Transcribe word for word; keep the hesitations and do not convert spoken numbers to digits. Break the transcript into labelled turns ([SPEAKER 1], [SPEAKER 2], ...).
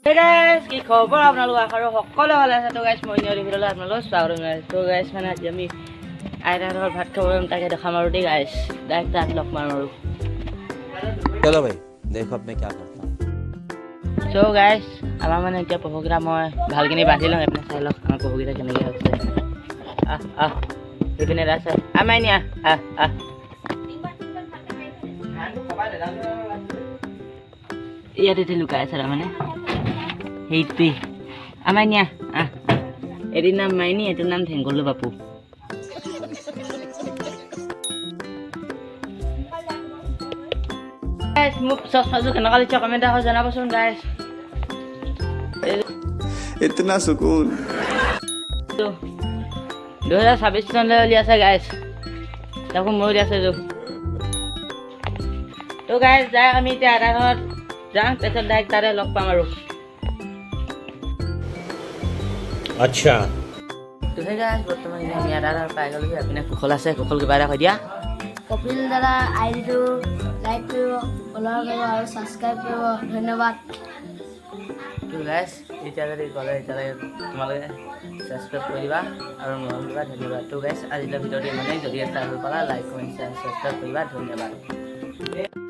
[SPEAKER 1] Hey guys, কি খবৰ আপোনালোক আশা কৰোঁ সকলো ভালে আছে। তো গাইছ মই নিয়লি ভিডিঅ'লৈ আপোনালোক স্বাগতম জনাইছোঁ। তো গাইছ মানে আজি আমি আইতাহঁতৰ ভাত খাব যাম, তাকে দেখাম আৰু দেই গাইছ। ডাইৰেক্ট তাত লগ মাৰোঁ আৰু
[SPEAKER 2] চলো ভাই দেখো আপনি क्या करता हूँ।
[SPEAKER 1] তো গাইছ আমাৰ মানে এতিয়া পহুকেইটা মই ভালখিনি বান্ধি লওঁ। আপুনি চাই লওক আমাৰ পহুকেইটা কেনেকৈ হৈছে। আহ আহ সেইপিনে আছে আমাই নিয়া আহ আহ ইয়াতে লুকাই আছে তাৰমানে সেইটোৱে আমাই নিয়া আহ এটিৰ নাম মাইনী, এইটোৰ নাম ঢেংগলু বাপু। মোক চচমাযোৰ কেনেকুৱা লাগিছে কমেণ্ট এটা জনাবচোন গাইছ।
[SPEAKER 3] इतना सुकून
[SPEAKER 1] দুহেজাৰ ছাব্বিছ চনলৈ উলিয়াইছে গাইছ, তাকো মই উলিয়াইছে যো। তো গাইছ যাই আমি এতিয়া আধা ঘৰত যাওঁ, তাৰপিছত ডাইৰেক্ট তাতে লগ পাম আৰু।
[SPEAKER 2] अच्छा
[SPEAKER 1] তো সেই গাইছ বৰ্তমান আমি আধা ঘৰ পাই গ'লোহি। আপুনি কুশল আছে, কুশল কিবা এটা কৈ দিয়া।
[SPEAKER 4] কপিল দাদা আই ডিটো লাইক কৰিব, ফ'ল' কৰিব আৰু ছাবস্ক্ৰাইব কৰিব। ধন্যবাদ।
[SPEAKER 1] তো গাইছ এতিয়া যদি গ'লে এতিয়ালৈকে তোমালোকে ছাবস্ক্ৰাইব কৰি দিবা আৰু মৰম দিবা। ধন্যবাদ। তো গাইছ আজিলৈ ভিডিঅ'টো ইমানেই। যদি এটা ভাল পালা লাইক কমেণ্ট শ্বেয়াৰ ছাবস্ক্ৰাইব কৰিবা। ধন্যবাদ।